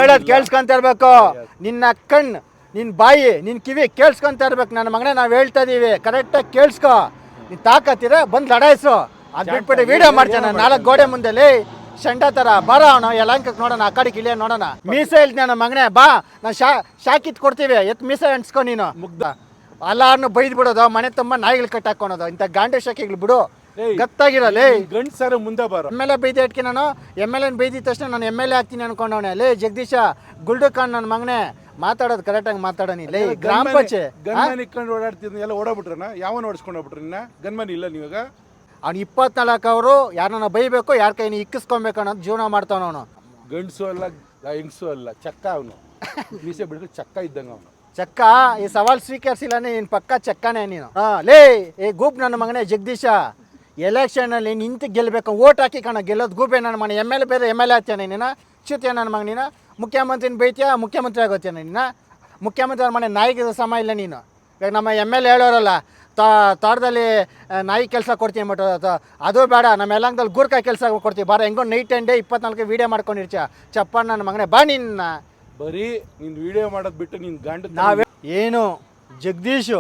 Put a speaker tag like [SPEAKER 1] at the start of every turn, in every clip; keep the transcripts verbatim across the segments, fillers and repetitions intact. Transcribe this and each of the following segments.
[SPEAKER 1] ಹೇಳೋದು ಕೇಳಿಸ್ಕೊಂತ ಇರ್ಬೇಕು. ನಿನ್ನ ಕಣ್ಣು, ನಿನ್ನ ಬಾಯಿ, ನಿನ್ನ ಕಿವಿ ಕೇಳಿಸ್ಕೊಂತ ಇರ್ಬೇಕು. ನನ್ನ ಮಗನೇ ನಾವು ಹೇಳ್ತಾ ಇದೀವಿ, ಕರೆಕ್ಟಾಗಿ ಕೇಳಿಸ್ಕೊ. ನೀನು ತಾಕತ್ತಿರ ಬಂದು ಲಡಾಯಿಸು. ಅದು ಬಿಟ್ಬಿಟ್ಟು ವಿಡಿಯೋ ಮಾಡ್ತಾನೆ ನಾಲ್ಕು ಗೋಡೆ ಮುಂದೆ ಶಂಡ ಥರ. ಬರ ಅವನು ಯಲಂಕಕ್ಕೆ ನೋಡೋಣ, ಆ ಕಡೆ ಕಿಲಿಯ ನೋಡೋಣ. ಮೀಸೆ ಹೇಳ್ತೀನಿ ನನ್ನ ಮಗನೇ, ಬಾ ನಾವು ಶಾ ಶಾಕಿತ್ ಕೊಡ್ತೀವಿ, ಎತ್ ಮೀಸೆ ಅಂಟ್ಸ್ಕೊ ನೀನು. ಮುಗ್ಧ ಅಲ್ಲಾರನ್ನು ಬೈದು ಬಿಡೋದು, ಮನೆ ತುಂಬ ನಾಯಿಗಳು ಕಟ್ಟಾಕೋಣೋದು. ಇಂಥ ಗಾಂಡೆ ಶಾಕಿಗಳು ಬಿಡು, ಗತ್ತಾಗಿರಲ್ಲ.
[SPEAKER 2] ಗಂಡ್ಸರ ಮುಂದೆ ಬರೋ
[SPEAKER 1] ಎಮ್ ಎಲ್ ಎ ಬೈದಿ ಇಟ್ಕಿ ನಾನು ಎಮ್ ಎಲ್ ಎನ್ ಬೈದಿದ ತಕ್ಷಣ ನಾನು ಎಮ್ ಎಲ್ ಎ ಆಗ್ತೀನಿ ಅನ್ಕೊಂಡವನೆ. ಲೇ ಜಗದೀಶ ಗುಲ್ಡು ಖಾನ್ ನನ್ನ ಮಗನೇ, ಮಾತಾಡೋದು ಕರೆಕ್ಟಾಗಿ ಮಾತಾಡೋನಿ. ಲೇ ಗ್ರಾಮ ಪಂಚಾಯತ್
[SPEAKER 2] ಗನ್ಮನ್ ಇಟ್ಕೊಂಡು ಓಡಾಡ್ತಿದ್ನ ಎಲ್ಲ ಓಡಾಬಿಟ್ರನ ಯಾವನ್ ಓಡಿಸ್ಕೊಂಡು ಹೋಗ್ಬಿಟ್ರಿ. ಇನ್ನ ಗನ್ಮನ್ ಇಲ್ಲ ನೀವಾಗ.
[SPEAKER 1] ಅವ್ನು ಇಪ್ಪತ್ನಾಲ್ಕು ಅವರು ಯಾರನ್ನ ಬೈಬೇಕು, ಯಾರ ಕೈನ ಇಕ್ಕಿಸ್ಕೊಬೇಕು ಅನ್ನೋದು ಜೀವನ ಮಾಡ್ತಾವ ಅವನು.
[SPEAKER 2] ಗಂಡಸು ಅಲ್ಲ ಹೆಂಗಸು ಅಲ್ಲ, ಚಕ್ಕ ಅವನು. ಮೀಸೆ ಬಿಡ್ಕೊಂಡು ಚಕ್ಕ ಇದ್ದಂಗ ಅವನು.
[SPEAKER 1] ಚಕ್ಕ ಈ ಸವಾಲ್ ಸ್ವೀಕರಿಸಿಲ್ಲ ನೀನು, ಪಕ್ಕ ಚಕ್ಕನೇ ನೀನು. ಹಾ ಲೇ ಏ ಗೂಪ್ ನನ್ನ ಮಗನೇ ಜಗದೀಶ, ಎಲೆಕ್ಷನಲ್ಲಿ ನಿಂತು ಗೆಲ್ಲಬೇಕು, ಓಟ್ ಹಾಕಿ ಕಣ ಗೆಲ್ಲೋದು ಗೂಬೆ ನನ್ನ ಮನೆ. ಎಮ್ ಎಲ್ ಎ ಬೇರೆ ಎಮ್ ಎಲ್ ಎ ಆಗ್ತೇನೆ ನೀನು, ಚ್ಯುತಿಯ ನನ್ನ ಮಗ ನೀನು. ಮುಖ್ಯಮಂತ್ರಿನ ಬೈತೀಯ, ಮುಖ್ಯಮಂತ್ರಿ ಆಗೋತೇನೆ ನೀನು. ಮುಖ್ಯಮಂತ್ರಿ ಅವ್ರ ಮನೆ ನಾಯಿಗೆ ಸಮ ಇಲ್ಲ ನೀನು. ಇವಾಗ ನಮ್ಮ ಎಮ್ ಎಲ್ ಎ ಹೇಳೋರಲ್ಲ, ತೋಟದಲ್ಲಿ ನಾಯಿ ಕೆಲಸ ಕೊಡ್ತೀನಿ ಅಂದ್ಬಿಟ್ಟು, ಅದು ಬೇಡ, ನಮ್ಮ ಯಲಹಂಕದಲ್ಲಿ ಗೂರ್ಖಾ ಕೆಲಸ ಕೊಡ್ತೀವಿ ಬಾರ. ಹೆಂಗೋ ನೈಟ್ ಆ್ಯಂಡ್ ಡೇ ಇಪ್ಪತ್ನಾಲ್ಕು ವೀಡಿಯೋ ಮಾಡ್ಕೊಂಡಿರ್ಚ ಚಪ್ಪಣ್ಣ ನನ್ನ ಮಗನೇ. ಬಾ ನಿನ್ನ
[SPEAKER 2] ಬರೀ ನೀನು ವಿಡಿಯೋ ಮಾಡೋದು ಬಿಟ್ಟು ನೀನು ಗಂಡ
[SPEAKER 1] ನಾವೇ ಏನು ಜಗದೀಶು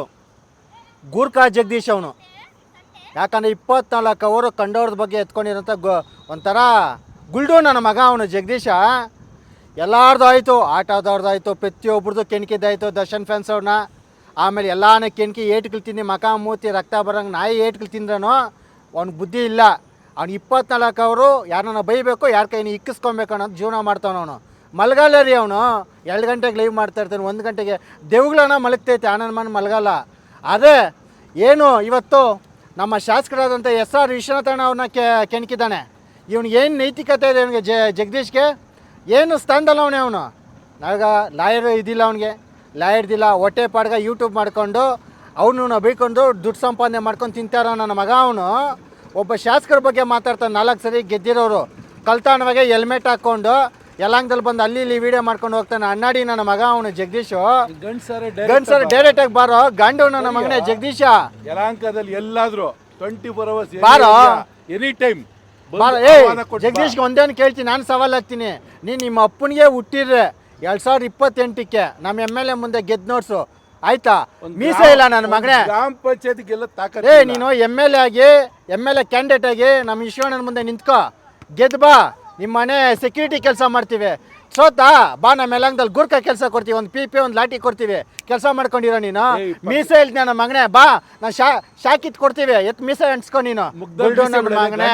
[SPEAKER 1] ಗೂರ್ಖಾ ಜಗದೀಶ್ ಅವನು. ಯಾಕಂದರೆ ಇಪ್ಪತ್ನಾಲ್ಕು ಅವರು ಕಂಡವ್ರದ ಬಗ್ಗೆ ಎತ್ಕೊಂಡಿರೋಂಥ ಗೊ ಒಂಥರ ಗುಲ್ಡು ನನ್ನ ಮಗ ಅವನು ಜಗದೀಶ. ಎಲ್ಲಾರ್ದು ಆಯಿತು, ಆಟೋದವ್ರದ್ದು ಆಯಿತು, ಪ್ರತಿಯೊಬ್ರದ್ದು ಕೆಣಕಿದ್ದಾಯಿತು. ದರ್ಶನ್ ಫ್ಯಾನ್ಸ್ ಅವ್ರನ್ನ ಆಮೇಲೆ ಎಲ್ಲಾನು ಕೆಣಕಿ ಏಟ್ಗಳು ತಿಂದು ಮಕ ಮೂತಿ ರಕ್ತ ಬರೋಂಗೆ ನಾಯಿ ಏಟ್ಗಳು ತಿಂದ್ರೂ ಅವ್ನಿಗೆ ಬುದ್ಧಿ ಇಲ್ಲ. ಅವ್ನು ಇಪ್ಪತ್ನಾಲ್ಕು ಅವರು ಯಾರನ್ನ ಬೈಬೇಕು, ಯಾರ ಕೈನ ಇಕ್ಕಿಸ್ಕೊಬೇಕು ಅನ್ನೋದು ಜೀವನ ಮಾಡ್ತಾವನು ಅವನು. ಮಲಗಲ್ಲ ರೀ ಅವನು. ಎರಡು ಗಂಟೆಗೆ ಲೈವ್ ಮಾಡ್ತಾ ಇರ್ತಾನೆ, ಒಂದು ಗಂಟೆಗೆ ದೇವುಗಳನ್ನ ಮಲಗ್ತೈತೆ, ಆನಂದ್ ಮನ್ ಮಲಗಲ್ಲ. ಅದೇ ಏನು ಇವತ್ತು ನಮ್ಮ ಶಾಸಕರಾದಂಥ ಎಸ್ ಆರ್ ವಿಶ್ವನಾಥಣ್ಣ ಅವ್ರನ್ನ ಕೆ ಕೆಣಕಿದ್ದಾನೆ. ಇವನಿಗೆ ಏನು ನೈತಿಕತೆ ಇದೆ ಅವನಿಗೆ? ಜ ಜಗದೀಶ್ಗೆ ಏನು ಸ್ಥಾನದಲ್ಲ ಅವನೇ ಅವನು. ನಾವಾಗ ಲಾಯರ್ ಇದಿಲ್ಲ ಅವನಿಗೆ, ಲಾಯರ್ದಿಲ್ಲ, ಹೊಟ್ಟೆ ಪಾಡ್ಗ ಯೂಟ್ಯೂಬ್ ಮಾಡ್ಕೊಂಡು ಅವನು ಬೈಕೊಂಡು ದುಡ್ಡು ಸಂಪಾದನೆ ಮಾಡ್ಕೊಂಡು ತಿಂತಾರ ನನ್ನ ಮಗ ಅವನು. ಒಬ್ಬ ಶಾಸಕರ ಬಗ್ಗೆ ಮಾತಾಡ್ತಾನೆ, ನಾಲ್ಕು ಸರಿ ಗೆದ್ದಿರೋರು. ಕಲ್ತಾಣವಾಗೆ ಹೆಲ್ಮೆಟ್ ಹಾಕ್ಕೊಂಡು ಯಲಹಂಕದಲ್ಲಿ ಬಂದು ಅಲ್ಲಿ ಇಲ್ಲಿ ವಿಡಿಯೋ ಮಾಡ್ಕೊಂಡು ಹೋಗ್ತಾನೆ. ಅಣ್ಣಾಡಿ ನನ್ನ ಮಗ ಅವನು ಜಗದೀಶು. ಗಂಡ್ಸರ್ ಡೈರೆಕ್ಟ್ ಆಗಿ ಬಾರೋ ಗಂಡು ನನ್ನ ಮಗನೇ ಜಗದೀಶ.
[SPEAKER 2] ಯಲಹಂಕದಲ್ಲಿ ಎಲ್ಲಾದ್ರೂ ಟ್ವೆಂಟಿ ಫೋರ್ ಅವರ್ಸ್
[SPEAKER 1] ಬಾರೋ,
[SPEAKER 2] ಎನಿ ಟೈಮ್
[SPEAKER 1] ಬಾರೋ. ಏ ಜಗದೀಶ್ಗೆ ಒಂದೇನು ಕೇಳ್ತೀನಿ, ನಾನು ಸವಾಲ್ ಹಾಕ್ತೀನಿ. ನೀನು ನಿಮ್ಮ ಅಪ್ಪನಿಗೆ ಹುಟ್ಟಿದ್ರೆ ಎರಡು ಸಾವಿರದ ಇಪ್ಪತ್ತೆಂಟಕ್ಕೆ ನಮ್ಮ ಎಮ್ ಎಲ್ ಎ ಮುಂದೆ ಗೆದ್ದು ನೋಡ್ಸು, ಆಯ್ತಾ? ಮೀಸೆ ಇಲ್ಲ ನನ್ನ ಮಗನೇ.
[SPEAKER 2] ಗ್ರಾಮ ಪಂಚಾಯತ್ಗೆಲ್ಲ ತಾಕತ್.
[SPEAKER 1] ಏ ನೀನು ಎಮ್ ಎಲ್ ಎ ಆಗಿ ಎಮ್ ಎಲ್ ಎ ಕ್ಯಾಂಡಿಡೇಟ್ ಆಗಿ ನಮ್ಮ ಈಶ್ವರನ ಮುಂದೆ ನಿಂತ್ಕೋ, ಗೆದ್ದು ಬಾ. ನಿಮ್ಮ ಮನೆ ಸೆಕ್ಯೂರಿಟಿ ಕೆಲಸ ಮಾಡ್ತೀವಿ, ಸೋತಾ ಬಾ. ನಮ್ಮ ಯಲಹಂಕದಲ್ಲಿ ಗೂರ್ಖಾ ಕೆಲಸ ಕೊಡ್ತೀವಿ, ಒಂದು ಪಿ ಪಿ ಒಂದು ಲಾಟಿ ಕೊಡ್ತೀವಿ, ಕೆಲಸ ಮಾಡ್ಕೊಂಡಿರೋ ನೀನು. ಮೀಸೆ ಹೇಳ್ತೀನಿ ನನ್ನ ಮಗನೇ, ಬಾ ನಾನು ಶಾ ಶಾಕಿತ್ ಕೊಡ್ತೀವಿ, ಎತ್ ಮೀಸೆ ಅಂಟ್ಸ್ಕೊ ನೀನು. ಮಗನೇ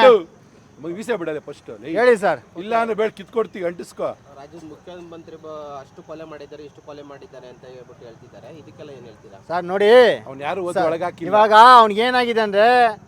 [SPEAKER 2] ಮೀಸೆ ಬಿಡದೆ ಫಸ್ಟ್
[SPEAKER 1] ಹೇಳಿ ಸರ್. ಇಲ್ಲ
[SPEAKER 2] ಅಂದ್ರೆ ಬೇಡ ಕಿತ್ಕೊಡ್ತೀವಿ, ಅಂಟಿಸ್ಕೋ.
[SPEAKER 3] ರಾಜ್ಯದ ಮುಖ್ಯಮಂತ್ರಿ ಅಷ್ಟು ಕೊಲೆ ಮಾಡಿದ್ದಾರೆ, ಇಷ್ಟು ಕೊಲೆ ಮಾಡಿದ್ದಾರೆ ಅಂತ ಹೇಳ್ಬಿಟ್ಟು ಹೇಳ್ತಿದ್ದಾರೆ, ಇದಕ್ಕೆಲ್ಲ ಏನು ಹೇಳ್ತೀರಾ?
[SPEAKER 1] ಸರ್ ನೋಡಿ,
[SPEAKER 2] ಅವ್ನು ಯಾರು ಒಳಗಾಕಿ
[SPEAKER 1] ಇವಾಗ ಅವ್ನಿಗೆ ಏನಾಗಿದೆ ಅಂದರೆ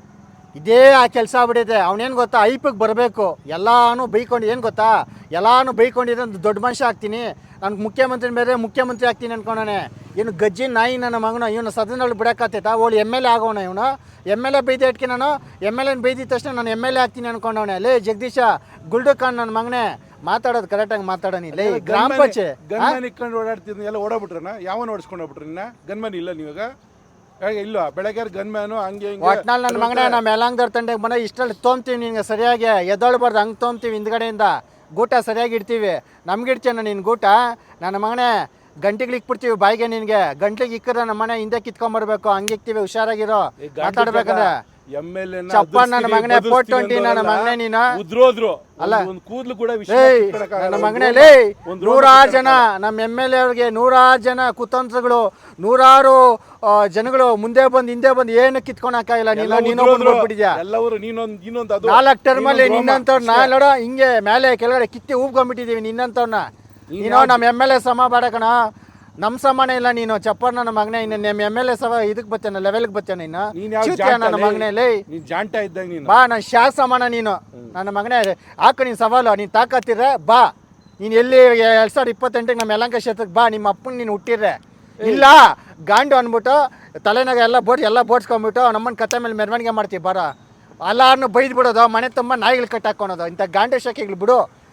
[SPEAKER 1] ಇದೇ ಆ ಕೆಲಸ ಆಗ್ಬಿಟ್ಟಿದೆ. ಅವನೇನು ಗೊತ್ತಾ, ಐಪಿಗೆ ಬರಬೇಕು, ಎಲ್ಲಾನು ಬೈಕೊಂಡು, ಏನು ಗೊತ್ತಾ, ಎಲ್ಲಾನು ಬೈಕೊಂಡಿದ್ರೆ ಒಂದು ದೊಡ್ಡ ಮನುಷ್ಯ ಆಗ್ತೀನಿ, ನನಗೆ ಮುಖ್ಯಮಂತ್ರಿ ಬೇರೆ ಮುಖ್ಯಮಂತ್ರಿ ಆಗ್ತೀನಿ ಅನ್ಕೊಂಡಾನೆ. ಏನು ಗಜ್ಜಿ ನಾಯಿ ನನ್ನ ಮಗನ. ಇವನು ಸದನದಲ್ಲಿ ಬಿಡೋಕ್ಕಾಗ್ತೈತಾ? ಓಲಿ ಎಮ್ ಎಲ್ ಎ ಆಗೋಣ ಇವನು. ಎಮ್ ಎಲ್ ಎ ಬೈದಿ ಇಟ್ಕಿ ನಾನು ಎಮ್ ಎಲ್ ಎನ್ ಬೈದಿದ ತಕ್ಷಣ ನಾನು ಎಮ್ ಎಲ್ ಎ ಆಗ್ತೀನಿ ಅನ್ಕೊಂಡವನೆ. ಲೇ ಜಗದೀಶ ಗುಲ್ಡು ಖಾನ್ ನನ್ನ ಮಗನೇ, ಮಾತಾಡೋದು ಕರೆಕ್ಟಾಗಿ ಮಾತಾಡೋನಿ. ಲೇ ಗ್ರಾಮ ಪಂಚಾಯತ್
[SPEAKER 2] ಗನ್ಮನ್ ಇಟ್ಕೊಂಡು ಓಡಾಡ್ತಿದ್ನ ಎಲ್ಲ ಓಡಾಬಿಟ್ರನ ಯಾವನ್ ಓಡಿಸ್ಕೊಂಡು ಹೋಗ್ಬಿಟ್ರಿ. ಇನ್ನ ಗನ್ಮನ್ ಇಲ್ಲ ನೀವಾಗ ಇಲ್ಲ. ಬೆಳಗ್ಗೆ ಗನ್ಮ್ಯಾನು ಹಂಗೆ
[SPEAKER 1] ಒಟ್ನಲ್ಲಿ ನನ್ನ ಮಗನೇ, ನಮ್ಮ ಯಲಹಂಕದವ್ರ ತಂಡಕ್ಕೆ ಬಂದ ಇಷ್ಟಲ್ಲಿ ತೊಂಬ್ತೀವಿ ನಿನ್ಗೆ ಸರಿಯಾಗಿ ಎದ್ದೊಳ್ಬಾರ್ದು, ಹಂಗೆ ತೊಂಬ್ತೀವಿ ಹಿಂದ್ಗಡೆಯಿಂದ. ಗೂಟ ಸರಿಯಾಗಿ ಇಡ್ತೀವಿ, ನಮ್ಗೆ ಇಡ್ತೇನೆ ನಿನ್ನ ಗೂಟ ನನ್ನ ಮಗನೇ. ಗಂಟೆಗೆ ಇಕ್ಬಿಡ್ತೀವಿ ಬಾಯಿಗೆ ನಿನಗೆ. ಗಂಟೆಗೆ ಇಕ್ಕರೆ ನಮ್ಮ ಮನೆ ಹಿಂದೆ ಕಿತ್ಕೊಂಡ್ಬರ್ಬೇಕು, ಹಂಗೆ ಇಕ್ತೀವಿ, ಹುಷಾರಾಗಿರೋ ಮಾತಾಡ್ಬೇಕಂದ್ರೆ.
[SPEAKER 2] ಎಮ್ ಎಲ್ ಎ
[SPEAKER 1] ಚಪ್ಪ ನನ್ನ ಮಗನೇ, ಫೋರ್ ಟ್ವೆಂಟಿ ನನ್ನ ಮಗನೇ ನೀನು.
[SPEAKER 2] ಉದ್ರೋದ್ರು
[SPEAKER 1] ಅಲ್ಲ
[SPEAKER 2] ಕೂದ್ಲು ಕೂಡ
[SPEAKER 1] ನನ್ನ ಮಗನೇ. ಲೇ ನೂರಾರು ಜನ ನಮ್ಮ ಎಮ್ ಎಲ್ ಎ ಅವ್ರಿಗೆ, ನೂರಾರು ಜನ ಕುತಂತ್ರಗಳು, ನೂರಾರು ಜನಗಳು ಮುಂದೆ ಬಂದು ಹಿಂದೆ ಬಂದು ಏನು ಕಿತ್ಕೊಳಕ್ಕಾಗಿಲ್ಲ. ನೀನು ನೀನು ಬಂದ್ಬಿಟ್ಟಿದ್ಯಾ
[SPEAKER 2] ಎಲ್ಲವರು. ನೀನೊಂದು ಇನ್ನೊಂದು
[SPEAKER 1] ನಾಲ್ಕು ಟರ್ಮಲ್ಲಿ ನಿನ್ನಂತವ್ರು ನಾ ನೋಡೋ ಹಿಂಗೆ ಮೇಲೆ ಕೆಳಗಡೆ ಕಿತ್ತಿ ಊಬ್ಕೊಂಡ್ಬಿಟ್ಟಿದೀವಿ ನಿನ್ನಂತವ್ರನ್ನ. ನೀನು ನಮ್ಮ ಎಮ್ ಎಲ್ ಎ ಸಮ ಬೇಡ ಕಣ, ನಮ್ಮ ಸಮಾನ ಇಲ್ಲ ನೀನು. ಚಪ್ಪರ್ ನನ್ನ ಮಗನೇ, ಇನ್ನು ನಿಮ್ಮ ಎಮ್ ಎಲ್ ಎ ಸಮ ಇದಕ್ಕೆ ಬರ್ತೇನೆ, ಲೆವೆಲ್ಗೆ ಬರ್ತೇನೆ ಇನ್ನು. ನನ್ನ ಮಗನೇ ಲೇ
[SPEAKER 2] ಜಾಂಟ ಇದ್ದಂಗೆ ನೀನು.
[SPEAKER 1] ಬಾ, ನಾನು ಶಾ ಸಮಾನ ನೀನು ನನ್ನ ಮಗನೇ. ಹಾಕ ನೀನು ಸವಾಲು, ನೀನು ತಾಕತ್ತಿರ ಬಾ. ನೀನು ಎಲ್ಲಿ ಎರಡು ಸಾವಿರದ ಇಪ್ಪತ್ತೆಂಟಿಗೆ ನಮ್ಮ ಯಲಹಂಕ ಕ್ಷೇತ್ರಕ್ಕೆ ಬಾ. ನಿಮ್ಮ ಅಪ್ಪನ ನೀನು ಹುಟ್ಟಿದ್ರೆ ಇಲ್ಲ ಗಾಂಡು ಅಂದ್ಬಿಟ್ಟು ತಲೆನಾಗ ಎಲ್ಲ ಬೋಟ್ ಎಲ್ಲ ಬೋಡ್ಸ್ಕೊಂಡ್ಬಿಟ್ಟು ನಮ್ಮನ್ನ ಕತ್ತೆ ಮೇಲೆ ಮೆರವಣಿಗೆ ಮಾಡ್ತೀವಿ. ಬರ ಎಲ್ಲಾರನ್ನು ಬೈದು ಬಿಡೋದು, ಮನೆ ತುಂಬ ನಾಯಿಗಳು ಕಟ್ಟಾಕೊಳೋದು. ಇಂಥ ಗಾಂಡೆ ಶಾಖೆಗಳು ಬಿಡು,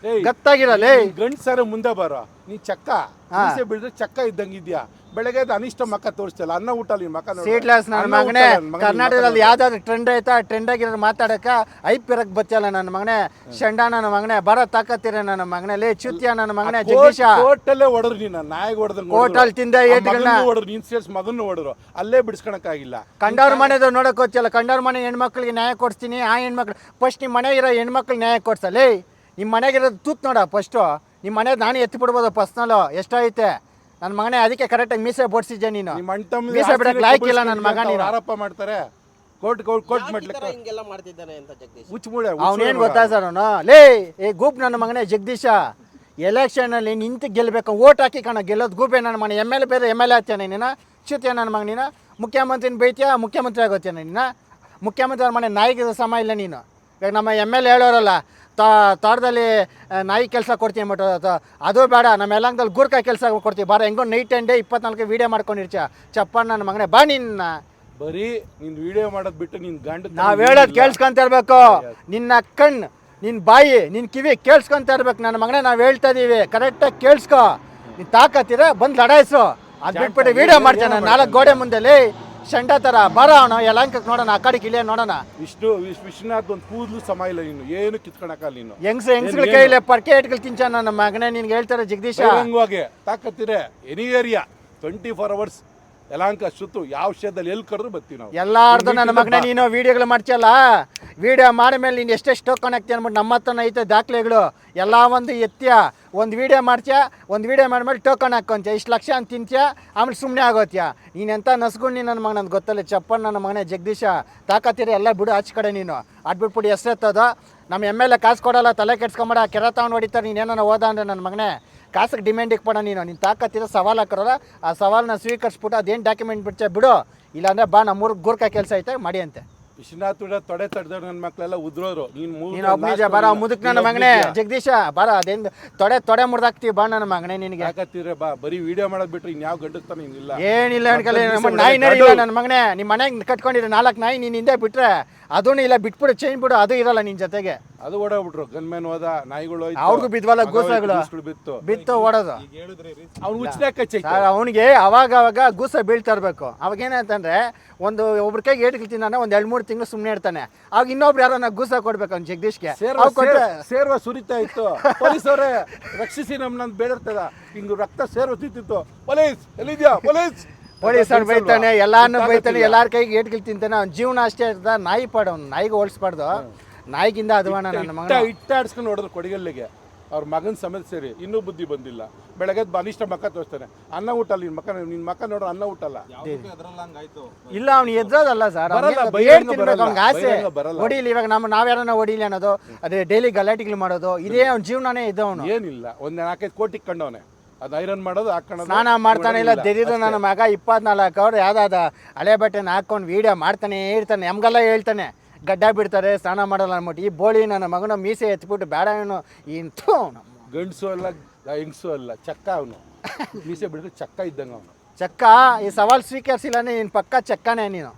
[SPEAKER 1] ಗತ್ತಾಗಿರಲೇ
[SPEAKER 2] ಗಂಡ್ಸಾರ ಮುಂದೆ ಬರೋ ನೀ ಚಕ್ಕ ಮೀಸೆ ಬಿಡಿದ್ರೆ ಚಕ್ಕ ಇದ್ದಂಗಿದ್ಯಾ ಬೆಳಗ್ಗೆ ಅದು ಅನಿಷ್ಟ ಮಕ್ಕ ತೋರಿಸ್ತಲ್ಲ ಅನ್ನ ಊಟ ಅಲ್ಲಿ ಮಕ್ಕ ನೋಡು.
[SPEAKER 1] ಸೀಟ್ಲೆಸ್ ನನ್ನ
[SPEAKER 2] ಅನ್ನ
[SPEAKER 1] ಮಗನೇ
[SPEAKER 2] ಊಟ ಅಲ್ಲ, ಮಗನಿಗೆ
[SPEAKER 1] ಕರ್ನಾಟಕದಲ್ಲಿ
[SPEAKER 2] ಮಕ್ಕ
[SPEAKER 1] ಯಾವ್ದಾದ್ರು ಟ್ರೆಂಡ್ ಐತಾ ಟ್ರೆಂಡ್ ಆಗಿರೋದು ಮಾತಾಡಕ ಐಪ್ ಇರಕ್ ಬತ್ತಿಯಲ್ಲ ನನ್ನ ಮಗನೇ ಶಂಡ ನನ್ನ ಮಗನೇ ಬರ ತಾಕತ್ತಿರ ನನ್ನ ಮಗನೇ ಲೇ ಚ್ಯುತಿಯ ನನ್ನ ಮಗನೇ ಜಗದೀಶ
[SPEAKER 2] ಕೋರ್ಟಲ್ಲೇ ಹೊಡೆದ್ರು ನೀನು ನಾಯಿಗೆ ಹೊಡೆದಂಗೆ
[SPEAKER 1] ಕೋರ್ಟಲ್ಲಿ ತಿಂದ ಏಟ್ಗಳನ್ನ
[SPEAKER 2] ಹೊಡೆದ್ರು ನೀನ್ ಸೇರ್ಸ್ ಮಗನ್ನು ಹೊಡೆದ್ರು ಅಲ್ಲೇ ಬಿಡಿಸ್ಕೊಳಕ್ಕಾಗಿಲ್ಲ.
[SPEAKER 1] ಕಂಡವ್ರ ಮನೆದು ನೋಡಕ್ ಹೋಗ್ತಿಯಲ್ಲ ಕಂಡವ್ರ ಮನೆ ಹೆಣ್ಮಕ್ಳಿಗೆ ನ್ಯಾಯ ಕೊಡ್ತೀನಿ ಆ ಹೆಣ್ಮಕ್ಳು ಫಸ್ಟ್ ನಿಮ್ಮ ಮನೆ ಇರೋ ಹೆಣ್ಮಕ್ಳಿಗೆ ನ್ಯಾಯ ಕೊಡ್ಸಲೇ ನಿಮ್ಮ ಮನೆಗಿರೋದು ತೂತ್ ನೋಡ ಫಸ್ಟು ನಿಮ್ಮ ಮನೆ ನಾನು ಎತ್ತಿ ಬಿಡ್ಬೋದು ಪರ್ಸ್ನಲು ಎಷ್ಟೈತೆ ನನ್ನ ಮಗನೇ ಅದಕ್ಕೆ ಕರೆಕ್ಟಾಗಿ ಮೀಸೆ ಬೋಡ್ಸಿದ್ದೆ ನೀನು
[SPEAKER 2] ನಿಮ್ಮ ಅಣ್ಣ ತಮ್ಮ
[SPEAKER 1] ಮೀಸೆ ಬಿಡಕ್ ಲಾಯ್ಕ್ ಇಲ್ಲ ನನ್ನ ಮಗ ನೀನು
[SPEAKER 2] ಆರೋಪ ಮಾಡ್ತಾರೆ ಕೋರ್ಟ್ ಕೋರ್ಟ್ ಕೋರ್ಟ್
[SPEAKER 3] ಯಾಕ್ ಈ
[SPEAKER 2] ಮಾಡ್ಲಿಕ್ಕೆ
[SPEAKER 3] ತರ ಹಿಂಗೆಲ್ಲ ಮಾಡ್ತಿದ್ದಾನೆ ಅಂತ ಜಗದೀಶ್
[SPEAKER 2] ಹುಚ್ಚುಮೂಳೆ
[SPEAKER 1] ಅವನೇನು ಗೊತ್ತಾ ಸರ್ ಅವನು ಲೇ ಏ ಗೂಪ್ ನನ್ನ ಮಗನೇ ಜಗದೀಶ ಎಲೆಕ್ಷನಲ್ಲಿ ನಿಂತು ಗೆಲ್ಲಬೇಕು ಓಟ್ ಹಾಕಿ ಕಣ ಗೆಲ್ಲೋದು ಗೂಪೆ ನನ್ನ ಮನೆ ಎಮ್ ಎಲ್ ಎ ಬೇರೆ ಎಮ್ ಎಲ್ ಎ ಆಗ್ತಾನೆ ನೀನು ಚ್ಯುತಿಯ ನನ್ನ ಮಗ ನೀನು ಮುಖ್ಯಮಂತ್ರಿನ ಬೈತೀಯ ಮುಖ್ಯಮಂತ್ರಿ ಆಗೋತ್ಯಾನ ನೀನು ಮುಖ್ಯಮಂತ್ರಿ ಅವ್ರ ಮನೆ ನಾಯಿಗೆ ಸಮ ಇಲ್ಲ ನೀನು ಇವಾಗ ನಮ್ಮ ಎಮ್ ಎಲ್ ಎ ಹೇಳೋರಲ್ಲ ತಾ ತೋಟದಲ್ಲಿ ನಾಯಿ ಕೆಲಸ ಕೊಡ್ತೀವಿ ಅಂದ್ಬಿಟ್ಟು ಅದು ಬೇಡ ನಮ್ಮ ಯಲಹಂಕದಲ್ಲಿ ಗೂರ್ಖಾ ಕೆಲಸ ಕೊಡ್ತೀವಿ ಬಾರ ಹೆಂಗೋ ನೈಟ್ ಆ್ಯಂಡ್ ಡೇ ಇಪ್ಪತ್ನಾಲ್ಕು ವೀಡಿಯೋ ಮಾಡ್ಕೊಂಡಿರ್ತೀಯ ಚಪ್ಪ ನನ್ನ ಮಗನೇ ಬಾ ನಿನ್ನ
[SPEAKER 2] ಬರೀ ನೀನ್ ವಿಡಿಯೋ ಮಾಡೋದ್ ಬಿಟ್ಟು ನೀನ್ ಗಂಡ
[SPEAKER 1] ನಾವು ಹೇಳೋದು ಕೇಳಿಸ್ಕೊಂತ ಇರ್ಬೇಕು ನಿನ್ನ ಕಣ್ಣು ನಿನ್ನ ಬಾಯಿ ನಿನ್ನ ಕಿವಿ ಕೇಳಿಸ್ಕೊಂತ ಇರ್ಬೇಕು ನನ್ನ ಮಗನೇ ನಾವು ಹೇಳ್ತಾ ಇದೀವಿ ಕರೆಕ್ಟಾಗಿ ಕೇಳಿಸ್ಕೊ ನೀನು ತಾಕತ್ತೀರ ಬಂದು ಲಡಾಯಿಸು ಅದು ಬಿಟ್ಬಿಟ್ಟು ವಿಡಿಯೋ ಮಾಡ್ತೇನೆ ನಾಲ್ಕು ಗೋಡೆ ಮುಂದೆಲಿ ಶಂಡ ಥರ ಬರ ಅವನು ಯಲಹಂಕಕ್ಕೆ ನೋಡೋಣ ಆ ಕಡೆ ಕಿಳಿಯ ನೋಡೋಣ
[SPEAKER 2] ವಿಷ್ಣು ವಿಶ್- ವಿಶ್ವನಾಥ್ ಒಂದು ಕೂದಲು ಸಮ ಇಲ್ಲ ನೀನು ಏನು ಕಿತ್ಕೊಳಕಲ್ಲ ನೀನು
[SPEAKER 1] ಹೆಂಗ್ಸ ಹೆಂಗ್ಸ್ಗಳ ಕೈಲಿ ಪರ್ಕೆ ಇಟ್ಕೊಳ್ ತಿಂಚ ನನ್ನ ಮಗನೇ ನಿನ್ಗೆ ಹೇಳ್ತಾರೆ ಜಗದೀಶ
[SPEAKER 2] ಬಹಿರಂಗವಾಗಿ ತಾಕತ್ತಿರೆ any area twenty four hours Yelahanka ಸುತ್ತು ಯಾವ ವಿಷಯದಲ್ಲಿ ಎಲ್ಲಿ ಕರೆದ್ರು ಬರ್ತೀವಿ ನಾವು
[SPEAKER 1] ಎಲ್ಲಾರ್ದು ನನ್ನ ಮಗನೇ ನೀನು ವಿಡಿಯೋಗಳು ಮಾಡ್ತೀಯಲ್ಲ ವಿಡಿಯೋ ಮಾಡಿದ್ಮೇಲೆ ನೀನು ಎಷ್ಟೆಷ್ಟು ಟೋಕನ್ ಹಾಕ್ತೀಯ ಅಂದ್ಬಿಟ್ಟು ನಮ್ಮ ಹತ್ರನ ಐತೆ ದಾಖಲೆಗಳು ಎಲ್ಲ ಒಂದು ಎತ್ತೀಯ ಒಂದು ವಿಡಿಯೋ ಮಾಡ್ತೀಯ ಒಂದು ವಿಡಿಯೋ ಮಾಡಿದ್ಮೇಲೆ ಟೋಕನ್ ಹಾಕ್ಕೊಂತೀಯ ಇಷ್ಟು ಲಕ್ಷ ಅಂತ ತಿಂತೀಯ ಆಮೇಲೆ ಸುಮ್ಮನೆ ಆಗೋತ್ಯಾ ನೀನೆಂತ ನಸ್ಕೊಂಡು ನನ್ನ ಮಗ ನನಗೆ ಗೊತ್ತಲ್ಲ ಚಪ್ಪನ್ ನನ್ನ ಮಗನೇ ಜಗದೀಶ ತಾಕತ್ತೀರ ಎಲ್ಲ ಬಿಡು ಆಚೆ ಕಡೆ ನೀನು ಅಡ್ಬಿಟ್ಬಿಟ್ಟು ಎಷ್ಟೆತ್ತದ ನಮ್ಮ ಎಮ್ ಎಲ್ ಎ ಕಾಸು ಕೊಡಲ್ಲ ತಲೆ ಕೆಡ್ಸ್ಕೊಂಬೇಡ ಕೆರೆ ತಗೊಂಡು ಹೊಡಿತಾರೆ ನೀನೇನೋ ಓದ ಅಂದ್ರೆ ನನ್ನ ಮಗನೇ ಕಾಸಿಗೆ ಡಿಮ್ಯಾಂಡ್ ಇಕ್ಬೇಡ ನೀನು ನೀನು ತಾಕತ್ತಿರೋ ಸವಾಲು ಹಾಕೋರಲ್ಲ ಆ ಸವಾಲನ್ನ ಸ್ವೀಕರಿಸ್ಬಿಟ್ಟು ಅದೇನು ಡಾಕ್ಯುಮೆಂಟ್ ಬಿಡ್ತೀಯ ಬಿಡು ಇಲ್ಲಾಂದ್ರೆ ಬಾ ನಮ್ಮೂರಿಗೆ ಗೂರ್ಖಾ ಕೆಲಸ ಐತೆ ಮಾಡಿ ಅಂತೆ
[SPEAKER 2] ವಿಶ್ವನಾಥ್ ಕೂಡ ತೊಡೆ ತಡೆದವ್ರು ನನ್ನ ಮಕ್ಕಳೆಲ್ಲ ಉದ್ರೋರು ನೀನು
[SPEAKER 1] ನೀನು ಒಬ್ಬ ನಿಜ ಬರ ಮುದುಕ್ ನನ್ನ ಮಗನೇ ಜಗದೀಶ ಬರ ಅದೇನು ತೊಡೆ ತೊಡೆ ಮುರ್ದಾಕ್ತೀವಿ ಬಾ ನನ್ನ ಮಗನೇ ನಿನಗೆ
[SPEAKER 2] ಯಾಕತ್ತೀರ ಬಾ ಬರೀ ವಿಡಿಯೋ ಮಾಡೋದ್ ಬಿಟ್ರೆ ಇನ್ಯಾವ ಗಂಡಸ್ತಾನೆ ಇಲ್ಲ
[SPEAKER 1] ಏನಿಲ್ಲ ಅನ್ಕಲ್ಲ ನಮ್ಮ ನಾಯಿ ನಡಿಲ್ಲ ನನ್ನ ಮಗನೇ ನಿಮ್ಮ ಮನೆಗೆ ಕಟ್ಕೊಂಡಿರೋ ನಾಲ್ಕು ನಾಯಿ ನೀನು ಹಿಂದೆ ಬಿಟ್ರೆ ಅದೂ ಇಲ್ಲ ಬಿಟ್ಬಿಡು ಚೇಂಜ್ ಬಿಡು ಅದು ಇರಲ್ಲ ನಿನ್ನ ಜೊತೆಗೆ
[SPEAKER 2] ಅದು ಓಡೋಗ್ಬಿಟ್ರು ಗನ್ಮ್ಯಾನ್ ಹೋದ ನಾಯಿಗಳು ಹೋಯ್ತು,
[SPEAKER 1] ಅವ್ರಿಗೂ ಬಿದ್ವಲ್ಲ
[SPEAKER 2] ಮಗ
[SPEAKER 1] ಗೂಸಗಳು
[SPEAKER 2] ಹೋಯ್ತು, ಗೂಸ್ಗಳು ಬಿತ್ತು
[SPEAKER 1] ಬಿತ್ತು ಓಡೋದು
[SPEAKER 2] ಅವ್ನು ಉಚ್ಚನೆ ಕಚ್ಚೈತೆ
[SPEAKER 1] ಅವನಿಗೆ ಅವಾಗ ಅವಾಗ ಗೂಸ ಬೀಳ್ತಾ ಇರಬೇಕು ಅವಾಗ ಏನಂತಂದ್ರೆ ಒಂದು ಒಬ್ರ ಕೈಗೆ ಏಟು ತಿಂದಾನೆ ಒಂದು ಎರಡು ಮೂರು ತಿಂಗಳು ಸುಮ್ಮನೆ ಇರ್ತಾನೆ ಅವಾಗ ಇನ್ನೊಬ್ರು ಯಾರನ್ನ ಗೂಸ ಕೊಡ್ಬೇಕು ಅವ್ನು ಜಗದೀಶ್ಗೆ
[SPEAKER 2] ಸೇರ್ವ ಸೇರ್ವ- ಸೇರ್ವ ಸುರಿತಾ ಇತ್ತು ಪೊಲೀಸ್ ಅವರೇ ರಕ್ಷಿಸಿ ನಮ್ಮನ್ನ ಬೇಡಿರ್ತದ ಹಿಂಗ್ ರಕ್ತ ಸೇರ್ವ ತಿಂತಿತ್ತು ಪೊಲೀಸ್ ಎಲ್ಲಿದ್ಯಾ ಪೊಲೀಸ್
[SPEAKER 1] ಪೊಲೀಸರು ಬೈತಾನೆ ಎಲ್ಲಾನು ಬೈತಾನೆ ಎಲ್ಲಾರ ಕೈಗೆ ಏಟ್ಗಳು ತಿಂತಾನೆ ಅವ್ನ ಜೀವನ ಅಷ್ಟೇ ಇರ್ತದ ನಾಯಿ ಪಾಡು ಅವ್ನು ನಾಯಿಗೆ ಹೋಲಿಸ್ಬಾರ್ದು ನಾಯಿಗಿಂತ ಅದುವಾಣ ನನ್ನ ಮಗ
[SPEAKER 2] ಇಟ್ಟ ಇಟ್ಟಾಡ್ಸ್ಕೊಂಡು ನೋಡಿದ್ರು ಕೊಡಿಗಲ್ಲಿಗೆ ಅವ್ರ ಮಗನ ಸಮೇತ ಸೇರಿ ಇನ್ನೂ ಬುದ್ಧಿ ಬಂದಿಲ್ಲ ಬೆಳಗ್ಗೆ ಅನಿಷ್ಟ ಮಕ್ಕ ತೋರಿಸ್ತಾನೆ ಅನ್ನ ಊಟ ಅಲ್ಲ ನಿನ್ ಮಕ್ಕ ನಿನ್ ಮಕ್ಕ ನೋಡ್ರ ಅನ್ನ ಊಟ ಅಲ್ಲ
[SPEAKER 1] ಇಲ್ಲ ಅವ್ನು ಎದ್ರೋದಲ್ಲ ಸರ್
[SPEAKER 2] ಬರಲ್ಲ, ಬಹಿರಂಗ
[SPEAKER 1] ತಿನ್ಬೇಕು
[SPEAKER 2] ಬರಲ್ಲ,
[SPEAKER 1] ಅವ್ನಿಗೆ ಆಸೆ
[SPEAKER 2] ಬಹಿರಂಗ ಬರಲ್ಲ.
[SPEAKER 1] ಹೊಡಿಲಿ ಇವಾಗ ನಮ್ಮ ನಾವ್ಯಾರನ್ನ ಹೊಡಿಲಿ ಅನ್ನೋದು ಅದೇ ಡೈಲಿ ಗಲಾಟೆಗಳು ಮಾಡೋದು ಇದೇ ಅವ್ನ ಜೀವನನೇ ಇದ್ದವನು
[SPEAKER 2] ಏನಿಲ್ಲ ಒಂದ್ ನಾಲ್ಕೈದು ಕೋಟಿ ಕಂಡವನೆ ಅದು ಐರನ್ ಮಾಡೋದು ಹಾಕೋದು
[SPEAKER 1] ಸ್ನಾನ ಮಾಡ್ತಾನೆ ಇಲ್ಲ ತೆರೀದು ನನ್ನ ಮಗ ಇಪ್ಪತ್ನಾಲ್ಕು ಅವ್ರು ಯಾವ್ದಾದ ಹಳೆ ಬಟ್ಟೆನ ಹಾಕೊಂಡು ವೀಡಿಯೋ ಮಾಡ್ತಾನೆ ಇರ್ತಾನೆ ನಮ್ಗೆಲ್ಲ ಹೇಳ್ತಾನೆ ಗಡ್ಡ ಬಿಡ್ತಾರೆ ಸ್ನಾನ ಮಾಡಲ್ಲ ಅಂದ್ಬಿಟ್ಟು ಈ ಬೋಳಿ ನನ್ನ ಮಗನ ಮೀಸೆ ಎತ್ಬಿಟ್ಟು ಬೇಡ ಇವನು ಇಂಥು ನಮ್ಮ
[SPEAKER 2] ಗಂಡಸು ಅಲ್ಲ ಹೆಂಗಸು ಅಲ್ಲ ಚಕ್ಕ ಅವನು ಮೀಸೆ ಬಿಡಿದ್ರೆ ಚಕ್ಕ ಇದ್ದಂಗ ಅವನು
[SPEAKER 1] ಚಕ್ಕ ಈ ಸವಾಲು ಸ್ವೀಕರಿಸಿಲ್ಲ ನೀನು ಪಕ್ಕ ಚಕ್ಕನೇ ನೀನು